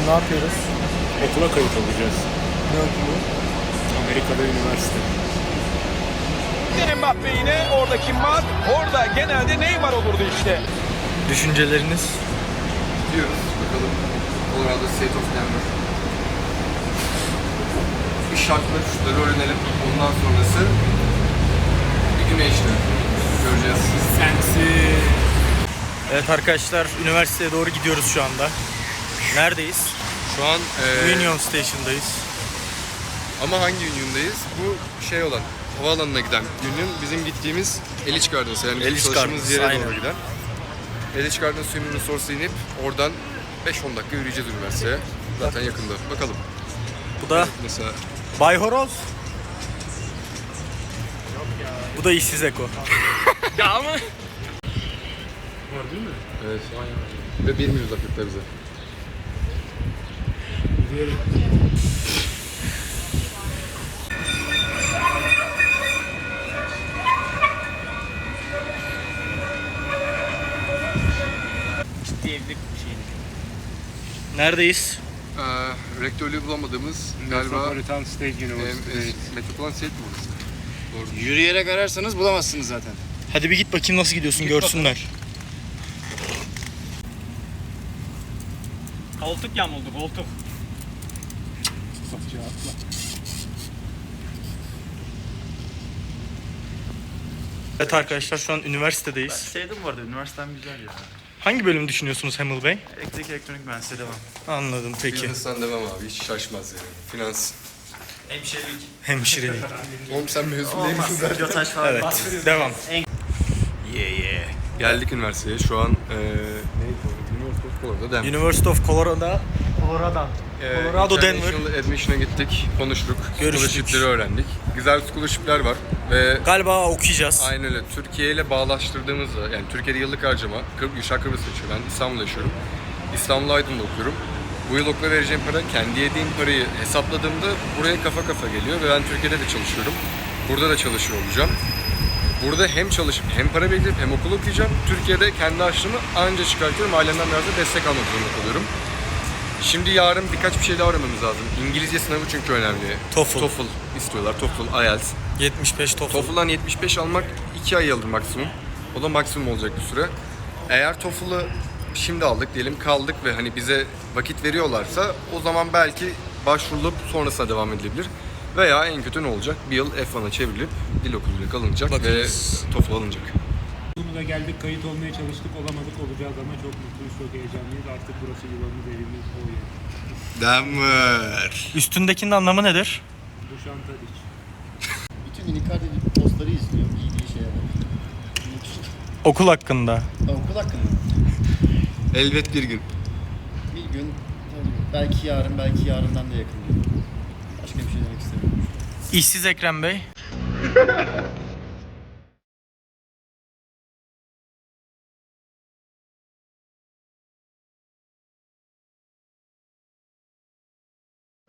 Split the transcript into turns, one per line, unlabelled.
ne yapıyoruz?
Okula kayıt olacağız.
Ne okulu?
Amerika'da üniversite.
Mbappe yine orada kim var? Orada genelde Neymar olurdu işte.
Düşünceleriniz?
Gidiyoruz bakalım. Colorado State of Denver. Bir şartla şutları öğrenelim. Ondan sonrası bir güneşli. Göreceğiz.
Sensin.
Evet arkadaşlar, üniversiteye doğru gidiyoruz şu anda. Neredeyiz?
Şu an
Union Station'dayız.
ama hangi Union'dayız? Bu şey olan havaalanına giden Union, bizim gittiğimiz Elitch Gardens, yani
Elitch
çalıştığımız
Gardens,
yere
aynen.
doğru giden. Elitch Gardens Union Resource'a inip oradan 5-10 dakika yürüyeceğiz üniversiteye. Zaten yakında. Bakalım.
Bu da
Mesela
Bay Horoz. Bu da işsiz Eko.
evet. Ve 1 mil uzaklıkta bize.
Ciddi evlilik bir şey.
Neredeyiz?
Rektörlüğü bulamadığımız galiba
Metropolitan State University.
Metropolitan State mi orası? Doğru.
Yürüyerek ararsanız bulamazsınız zaten.
Hadi bir git bakayım nasıl gidiyorsun, görsünler.
Koltuk yamuldu, koltuk.
Evet arkadaşlar, şu an üniversitedeyiz.
Sevdim bu arada, üniversitem güzel ya.
Hangi bölümü düşünüyorsunuz Hamil Bey?
Elektrik elektronik mühendisliği devam.
Anladım, peki.
Business'tan devam abi, hiç şaşmaz yani. Finans.
Hemşirelik.
Hemşirelik.
Oğlum sen mezun değil misin zaten?
Pilotaj falan.
Evet, devam.
Geldik üniversiteye. Şu an University of Colorado Denver.
University of Colorado. Colorado, Denver.
International Admission'a gittik, konuştuk.
Görüştük.
Scholarship'leri öğrendik. Güzel scholarship'ler var ve
Galiba okuyacağız.
aynen öyle. Türkiye ile bağlaştırdığımızda, yani Türkiye'de yıllık harcama, Gülşah Kıbrıs'ta yaşıyor. Ben İstanbul'da yaşıyorum. İstanbul Aydın'da okuyorum. Bu yıl okula vereceğim para, kendi yediğim parayı hesapladığımda buraya kafa kafa geliyor ve ben Türkiye'de de çalışıyorum. Burada da çalışıyor olacağım. Burada hem çalışıp hem para biriktirip hem okul okuyacağım. Türkiye'de kendi harçlığımı anca çıkartıyorum. Ailemden biraz da destek almak zorunda kalıyorum. Şimdi yarın birkaç bir şey daha öğrenmemiz lazım. İngilizce sınavı çünkü önemli.
TOEFL.
istiyorlar. TOEFL, IELTS.
75 TOEFL.
TOEFL'dan 75 almak 2 ay alır maksimum. O da maksimum olacak bir süre. Eğer TOEFL'ı şimdi aldık diyelim, kaldık ve hani bize vakit veriyorlarsa o zaman belki başvurulup sonrasına devam edilebilir. Veya en kötü ne olacak? Bir yıl F1'a çevrilip dil okuluyla kalınacak
Bakırız.
ve TOEFL alınacak.
Bunu da geldik, kayıt olmaya çalıştık, olamadık, olacağız ama çok mutluyuz, çok heyecanlıyız. Artık burası yuvamız, evimiz, o yer.
Denver.
Üstündekinin anlamı nedir?
Bu Şantadiç.
Bütün Icardi postları izliyor. İyi şeyler.
Okul hakkında.
Okul hakkında.
Elbet bir gün.
Bir gün, belki yarın, belki yarından da yakın. Başka bir şey demek istemiyorum.
İşsiz Ekrem Bey.